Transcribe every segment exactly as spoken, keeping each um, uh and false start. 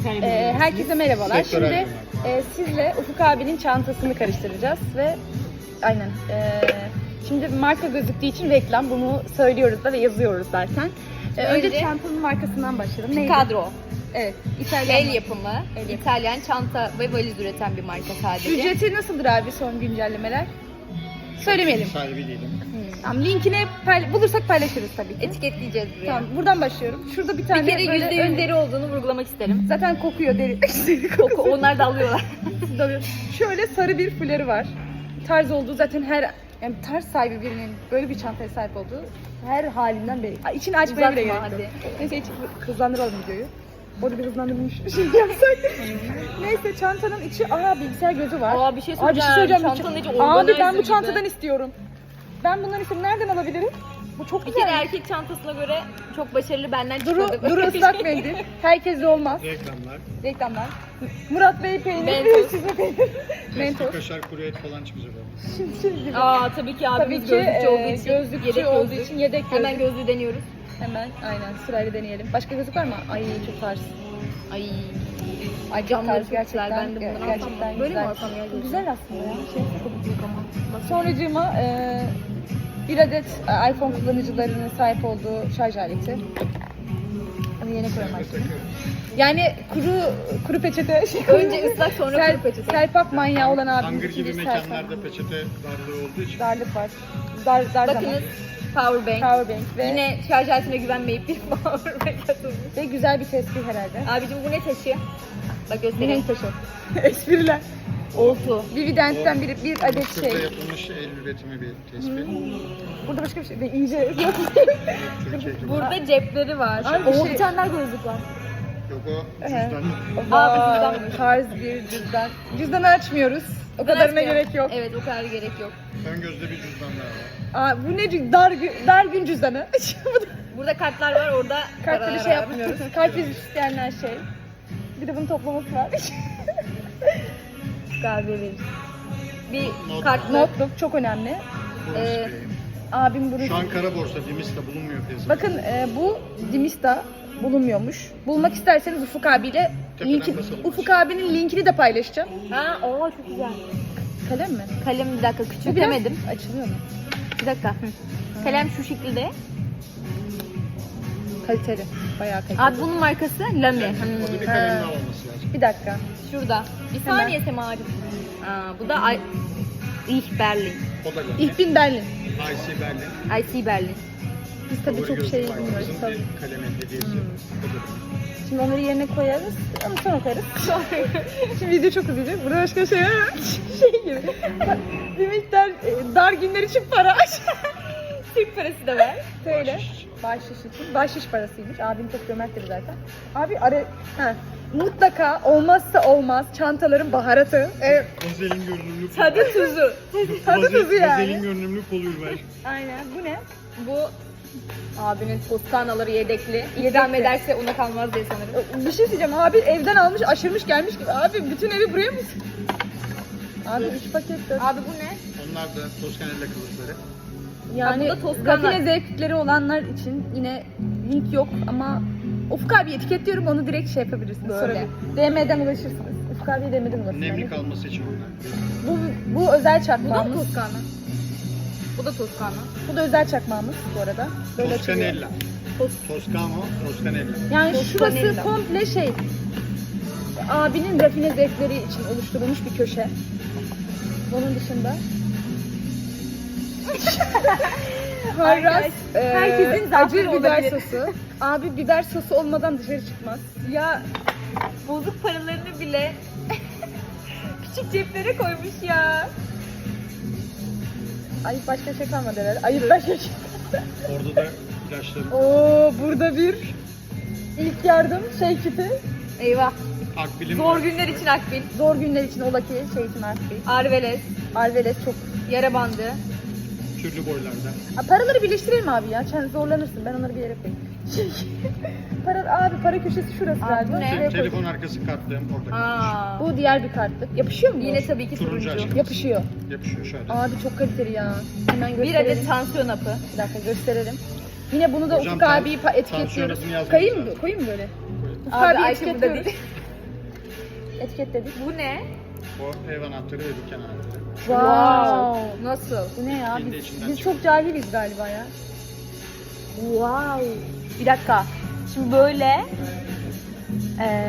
Ee, herkese merhabalar. Sektör Şimdi ayrımı. e, sizle Ufuk abinin çantasını karıştıracağız ve aynen. E, şimdi marka gözüktüğü için reklam, bunu söylüyoruz da ve yazıyoruz zaten. E, önce Önce- çantanın markasından başlayalım. Neydi? Kadro. Evet. İtalyan. El yapımı, El yapımı. İtalyan çanta ve valiz üreten bir marka sadece. Ücreti nasıldır abi, son güncellemeler? Söylemeyelim. Sahibi değilim. Tamam, linkini payla- bulursak paylaşırız tabii ki. Etiketleyeceğiz buraya. Tamam, buradan başlıyorum. Şurada bir tane Bir kere böyle yüzde yüz ön- deri olduğunu vurgulamak isterim. Zaten kokuyor deri. Deri Koku, kokusu. onlar da alıyorlar. Tabii. Şöyle sarı bir fuları var. Tarz olduğu zaten her, yani tarz sahibi birinin böyle bir çantaya sahip olduğu her halinden belli. Ay, İçini açmaya bile Uzatma gerek yok. hadi. Neyse, hiç hızlandıralım videoyu. Orada bir hızlandırılmış bir şey yapsak. Neyse, çantanın içi, aa, bilgisayar gözü var. Aa, bir şey Aa, söyleyeceğim. söyleyeceğim. Çantanın içi Abi organizer ben bu gibi. çantadan istiyorum. Ben bunların isim nereden alabilirim? Bu çok Bir güzel. kere erkek çantasına göre çok başarılı, benden Duru, çıkmadı. Duru ıslak mendil. Herkesle olmaz. Reklamlar. Reklamlar. Murat Bey peynir. Mentos. Size peynir. Eski Mentos. kaşar kuru et falan çıkacak orada. Şimdi şey gibi. Aa tabii ki abimiz Tabii ki gözlükçü olduğu e, için. gözlükçü yedek olduğu gözlük. için yedek gözlük. Hemen gözlüğü deniyoruz. Hemen aynen sırayla deneyelim. Başka gözlük var mı? Ay çok tarz. Ay. Ay çok Camları tarz çok güzel. gerçekten. Ben de bundan gerçekten alsam. Böyle mi güzel. alsam ya? Bu güzel aslında ya. Şey, Çok büyük ama. sonracığıma e, bir adet e, iPhone kullanıcılarının sahip olduğu şarj aleti. Onu yerine koyalım artık. Yani kuru kuru peçete. Şey, Önce ıslak, sonra Sel- kuru peçete. Serpak manyağı olan abimiz Hangır için gibi bir serpak. mekanlarda peçete darlığı olduğu için. Darlık var. Dar, dar zaman. Bakınız power bank. Powerbank ve, Yine şarj aletine güvenmeyip bir power bank atılmış. ve güzel bir tespih herhalde. Abicim bu ne taşı? Bak Ne göstereyim. taşı? Espriler. Oltu. Vividente'den bir, bir adet Mısır'da şey. yapılmış el üretimi bir tespih. Burada başka bir şey değil. İyice yok. Türkiye gibi. Burada cepleri var. Abi bir Oo, şey- bir tane daha gözlük var. Yok o Ehe. cüzdan. Aa, Vay, cüzdanmış. tarz bir cüzdan. Cüzdanı açmıyoruz. O kadarına Açmıyor. gerek yok. Evet o kadar gerek yok. Ön gözde bir cüzdanlar var. Aa, bu ne cü- dar, gü- dar gün cüzdanı. Bu da Burada kartlar var, orada kartla paralar bir şey var. yapmıyoruz. Kart vizit isteyenler şey. Bir de bunun toplaması var. Galiba veririz. Bir Not. kartla Notluk çok önemli. Borsa Ee, Bey. Abim bunu... Şu an kara borsa, Dimis'te bulunmuyor piyasada. Bakın e, bu Dimista bulunmuyormuş. Bulmak isterseniz Ufuk abiyle Tepeden linki, basalım. Ufuk abinin linkini de paylaşacağım. Ha, oo çok güzel. Kalem mi? Kalem bir dakika Bu biraz küçültemedim. açılıyor mu? Bir dakika. Hı. Kalem şu şekilde. Kaliteli. Bayağı kaliteli. Abi bunun markası Lamy. Orada Hmm. bir kalem Ha. daha olması lazım. Bir dakika. Şurada. Bir Hemen. saniye Sema'cığım. Aa, bu da I... Ich Berlin. O da geldi. Ich bin Berlin. I C Berlin. I C Berlin. Biz tabii Favori çok gözlük şey var. bilmiyoruz. Bizim Tabii. bir kalemin hediyesi. Hmm. O da. Şimdi onları yerine koyarız. Ama sonra koyarız. Şimdi video çok uzayacak. Burada başka şey var mı? Şey gibi. Bir miktar e, dar günler için para. Türk parası da var. Söyle. Bahşiş. Bahşiş için. Bahşiş parasıymış. Abim çok cömerttir zaten. Abi ara... Ha. Mutlaka olmazsa olmaz çantaların baharatı. Evet. Vazelin görünümlü pul. Tadı tuzu. Tadı tuzu yani. Vazelin görünümlü pul ürmer. Aynen. Bu ne? Bu abinin Toskanaları yedekli. Yedekli. İdam ederse ona kalmaz diye sanırım. Bir şey diyeceğim. Abi evden almış, aşırmış gelmiş gibi. Abi bütün evi buraya mı? Abi üç paket dört. Abi bu ne? Onlar da Toskanella kılıfları. Yani Ha, bu da Toskana. rafine zevkleri olanlar için yine link yok ama Ufuk abi etiketliyorum, onu direkt şey yapabilirsiniz. Böyle. Sorabilir. D M'den ulaşırsınız. Ufuk abiye D M'den ulaşırsınız. Nemli kalması için onlar. Bu, bu özel Bu da çakmağımız. mı Toskana? Bu da Toskana. Bu da özel çakmağımız bu arada. Böyle açılıyor. Toscanella. Tos- Toscano, Toscanella. Yani Toscanella. şurası komple şey. Abinin rafine zevkleri için oluşturulmuş bir köşe. Onun dışında Harras, Herkes- herkesin e, acı zaafları biber olabilir. sosu. Abi biber sosu olmadan dışarı çıkmaz. Ya bozuk paralarını bile küçük ceplere koymuş ya. Ay başka şey kalmadı herhalde. Ayıp başka şey. Orada da ilaçları. Oo, burada bir ilk yardım şey kiti. Eyvah. Akbil'in Zor var. günler için akbil. Zor günler için ola ki şey için artık. Arveles. Arveles çok. Yara bandı. Türlü boylarda. Ha, paraları birleştirelim abi ya. Sen zorlanırsın. Ben onları bir yere koyayım. para abi para köşesi şurası Abi, galiba. bu ne? Şuraya Telefon koydum. arkası kartlığım orada kalmış. Aa. Bu diğer bir kartlık. Yapışıyor mu? bu? Yine tabii ki Turuncu turuncu. aşkım. Yapışıyor. Yapışıyor şöyle. Abi çok kaliteli ya. Hemen Bir gösterelim. adet tansiyon hapı. Bir dakika gösterelim. Yine bunu da Hocam, Ufuk tan- abiyi pa- etiketliyoruz. tansiyonunuzun yazmanız Koyayım mı? lazım. Koyayım mı böyle? Ufuk Abi abiyi Ayşe burada etiketliyoruz. değil. etiketledik. Bu ne? O ev anahtarı ve dükkan anahtarı. Wow. Nasıl? Bu ne ya? Kendi Biz, içinden biz çıkıyor. çok cahiliz galiba ya. Wow. Bir dakika. Şimdi böyle e,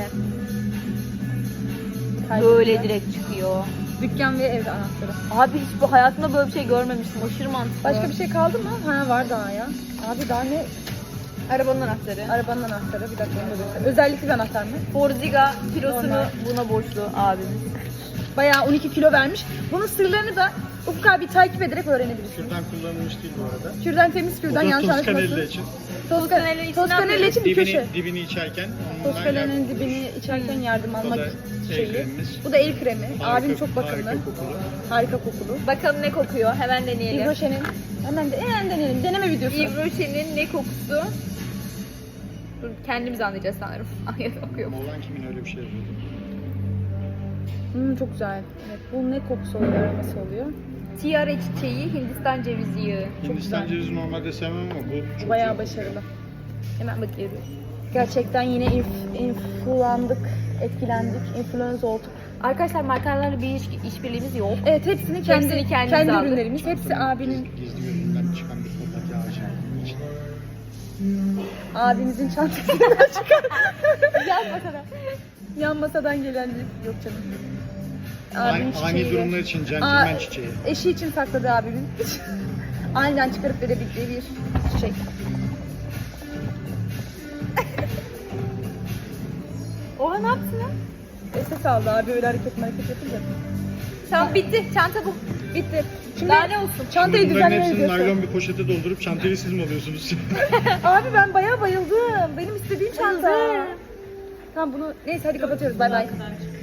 böyle direkt çıkıyor. Dükkan ve ev anahtarı. Abi hiç bu hayatımda böyle bir şey görmemiştim. Aşırı mantıklı. Başka bir şey kaldı mı? Ha var daha ya. Abi daha ne? Arabanın anahtarı. Arabanın anahtarı. Bir dakika onu da göster. Özellikli bir anahtar mı? Forziga kilosunu Normal. buna borçlu abimiz. Bayağı on iki kilo vermiş. Bunun sırlarını da Ufuk abi takip ederek öğrenebilirsiniz. Kürdan kullanılmış değil bu arada. Kürdan temiz, Bu kürdan da yanlış Toscanelli anlaşılmasın. için. Toscanelli için Toscanelli için bir köşe. Dibini, dibini içerken ondan Toscanelli'nin yardım dibini içerken yardım Bu almak da el şeyi. kremimiz. Bu da el kremi. Harika- Abim çok bakımlı. Harika kokulu. Harika kokulu. Bakalım ne kokuyor. Hemen deneyelim. Yves Rocher'in hemen de hemen deneyelim. Deneme videosu. Yves Rocher'in ne kokusu? Dur, kendimiz anlayacağız sanırım. Ay kokuyor. Moğlan kimin öyle bir şey yapıyordu? Hmm, çok güzel. Evet, bu ne kokusu oluyor, aroması oluyor. Tiare çiçeği, Hindistan cevizi yağı. Hindistan güzel. cevizi normalde sevmem ama bu çok Bayağı güzel. başarılı. Hemen bakıyoruz. Gerçekten yine inf- influandık, etkilendik, influence olduk. Arkadaşlar markalarla bir iş, işbirliğimiz yok. Evet, hepsini kendi Hepsini kendimiz kendi aldık. ürünlerimiz, hepsi abinin Gizli gözünden çıkan bir soldaki ağacı. abimizin çantasından çıkan. Yan masadan. Yan masadan gelen bir yok canım. Abinin Ani, ani çiçeği. durumlar için Aa, centilmen çiçeği. Eşi için sakladı abimin. Aniden çıkarıp verebildiği bir çiçek. Oha ne yaptın lan? Ses aldı abi öyle hareket hareket yapınca. Tamam bitti. Çanta bu. Bitti. Şimdi Daha ne olsun? çantayı Şimdi bunların düzenlemeye hepsini gidiyorsun. naylon bir poşete doldurup çantayı siz mi alıyorsunuz? Abi ben bayağı bayıldım. Benim istediğim çanta. Tamam bunu neyse hadi kapatıyoruz. Bay bay.